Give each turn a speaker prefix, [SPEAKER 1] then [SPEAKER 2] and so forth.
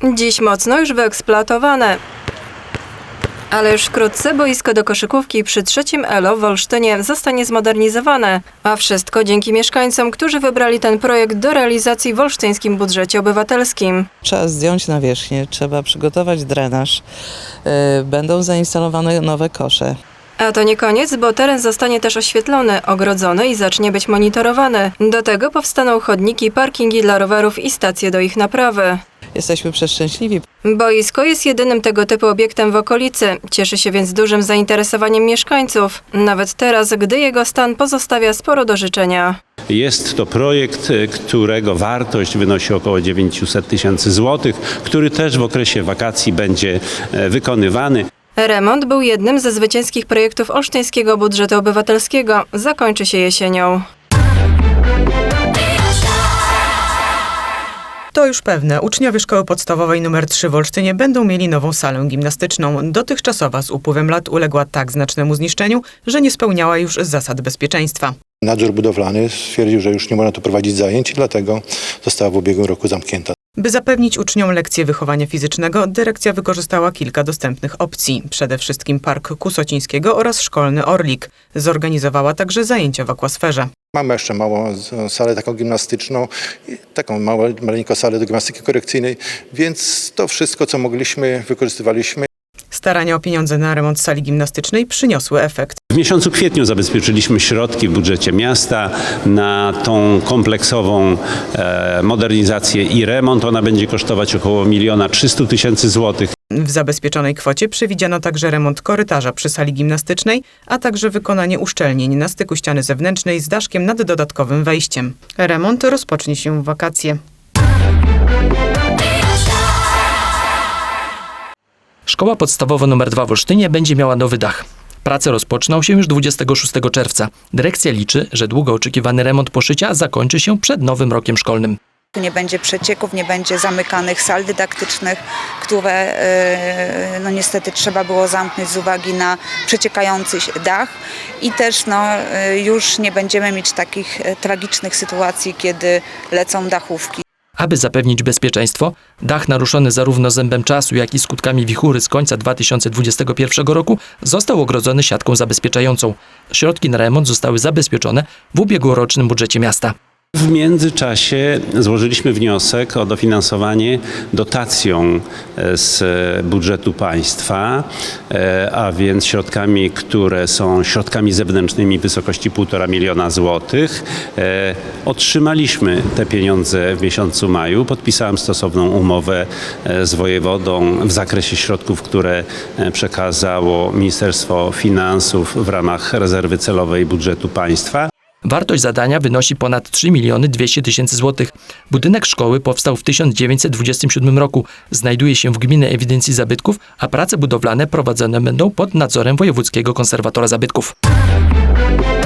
[SPEAKER 1] Dziś mocno już wyeksploatowane. Ale już wkrótce boisko do koszykówki przy 3. ELO w Olsztynie zostanie zmodernizowane. A wszystko dzięki mieszkańcom, którzy wybrali ten projekt do realizacji w olsztyńskim budżecie obywatelskim.
[SPEAKER 2] Trzeba zdjąć nawierzchnię, trzeba przygotować drenaż, będą zainstalowane nowe kosze.
[SPEAKER 1] A to nie koniec, bo teren zostanie też oświetlony, ogrodzony i zacznie być monitorowany. Do tego powstaną chodniki, parkingi dla rowerów i stacje do ich naprawy.
[SPEAKER 2] Jesteśmy przeszczęśliwi.
[SPEAKER 1] Boisko jest jedynym tego typu obiektem w okolicy. Cieszy się więc dużym zainteresowaniem mieszkańców. Nawet teraz, gdy jego stan pozostawia sporo do życzenia.
[SPEAKER 3] Jest to projekt, którego wartość wynosi około 900 tysięcy złotych, który też w okresie wakacji będzie wykonywany.
[SPEAKER 1] Remont był jednym ze zwycięskich projektów olsztyńskiego budżetu obywatelskiego. Zakończy się jesienią.
[SPEAKER 4] To już pewne. Uczniowie szkoły podstawowej nr 3 w Olsztynie będą mieli nową salę gimnastyczną. Dotychczasowa z upływem lat uległa tak znacznemu zniszczeniu, że nie spełniała już zasad bezpieczeństwa.
[SPEAKER 5] Nadzór budowlany stwierdził, że już nie można tu prowadzić zajęć i dlatego została w ubiegłym roku zamknięta.
[SPEAKER 4] By zapewnić uczniom lekcje wychowania fizycznego, dyrekcja wykorzystała kilka dostępnych opcji. Przede wszystkim Park Kusocińskiego oraz Szkolny Orlik. Zorganizowała także zajęcia w akwasferze.
[SPEAKER 5] Mamy jeszcze małą salę taką gimnastyczną, taką maleńką salę do gimnastyki korekcyjnej, więc to wszystko, co mogliśmy, wykorzystywaliśmy.
[SPEAKER 4] Starania o pieniądze na remont sali gimnastycznej przyniosły efekt.
[SPEAKER 3] W miesiącu kwietniu zabezpieczyliśmy środki w budżecie miasta na tą kompleksową modernizację i remont. Ona będzie kosztować około 1 300 000 złotych.
[SPEAKER 4] W zabezpieczonej kwocie przewidziano także remont korytarza przy sali gimnastycznej, a także wykonanie uszczelnień na styku ściany zewnętrznej z daszkiem nad dodatkowym wejściem. Remont rozpocznie się w wakacje.
[SPEAKER 6] Szkoła podstawowa nr 2 w Olsztynie będzie miała nowy dach. Prace rozpoczną się już 26 czerwca. Dyrekcja liczy, że długo oczekiwany remont poszycia zakończy się przed nowym rokiem szkolnym.
[SPEAKER 7] Tu nie będzie przecieków, nie będzie zamykanych sal dydaktycznych, które niestety trzeba było zamknąć z uwagi na przeciekający dach i też już nie będziemy mieć takich tragicznych sytuacji, kiedy lecą dachówki.
[SPEAKER 6] Aby zapewnić bezpieczeństwo, dach naruszony zarówno zębem czasu, jak i skutkami wichury z końca 2021 roku został ogrodzony siatką zabezpieczającą. Środki na remont zostały zabezpieczone w ubiegłorocznym budżecie miasta.
[SPEAKER 3] W międzyczasie złożyliśmy wniosek o dofinansowanie dotacją z budżetu państwa, a więc środkami, które są środkami zewnętrznymi w wysokości 1,5 miliona złotych. Otrzymaliśmy te pieniądze w miesiącu maju. Podpisałem stosowną umowę z wojewodą w zakresie środków, które przekazało Ministerstwo Finansów w ramach rezerwy celowej budżetu państwa.
[SPEAKER 6] Wartość zadania wynosi ponad 3 200 000 złotych. Budynek szkoły powstał w 1927 roku. Znajduje się w Gminnej Ewidencji Zabytków, a prace budowlane prowadzone będą pod nadzorem wojewódzkiego konserwatora zabytków.